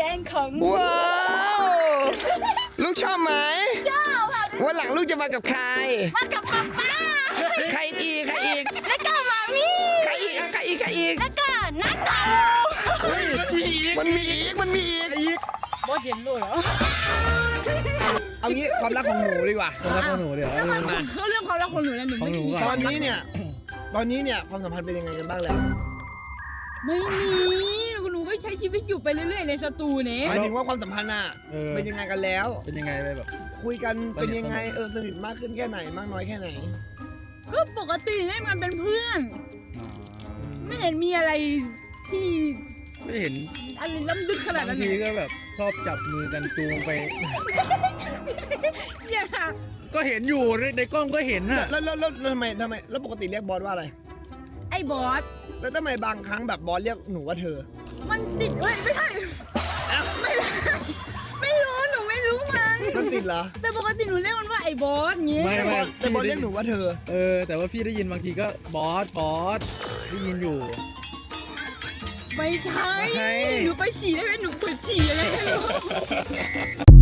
ดงของว้าวลูกชอบไหมชอบค่ะวันหลังลูกจะมากับใครมากับป๊าป๊าใครอีกใครอีกแล้วก็มามีใครอีกอ่ะใครอีกใครอีกแล้วก็นัดเต่ามันมีอีกมันมีอีกบอสเห็นเลยเหรอเอางี้ความรักของหนูดีกว่าความรักของหนูเดี๋ยวเขาเรื่องความรักของหนูนะหนูของไม่หนูมีก่ตออน นนี้เนี่ยความสัมพันธ์เป็นยังไงกันบ้างแล้วไม่มีหนูก็ใช้ชีวิตอยู่ไปเรื่อยๆในสตูนี้หมายถึงว่าความสัมพันธ์อะเป็นยังไงกันแล้วเป็นยังไงไปแบบคุยกันเป็นยังไงสนิทมากขึ้นแค่ไหนมากน้อยแค่ไหนก็ปกติเล่นกันเป็นเพื่อน ไม่เห็นมีอะไรที่ไม่เห็นอะไรล้ำลึกขนาดบานั้งนทีเลยก็แบบชอบจับมือกันจูงไปอย่าก็เห็นอยู่ในกล้องก็เห็นน่ะแล้วทำไมแล้วปกติเรียกบอสว่าอะไรไอ้บอสแล้วทำไมบางครั้งแบบบอสเรียกหนูว่าเธอมันติดเว้ยไม่ใช่ไม่ได้ไม่รู้หนูไม่รู้มันมันติดเหรอแต่ปกติหนูเรียกมันว่าไอ้บอสงี้แต่บอสเรียกหนูว่าเธอแต่ว่าพี่ได้ยินบางทีก็บอสได้ยินอยู่ไม่ใช่ใช่หนูไปฉี่ได้ไหมหนูปวดฉี่อะไรไม่รู้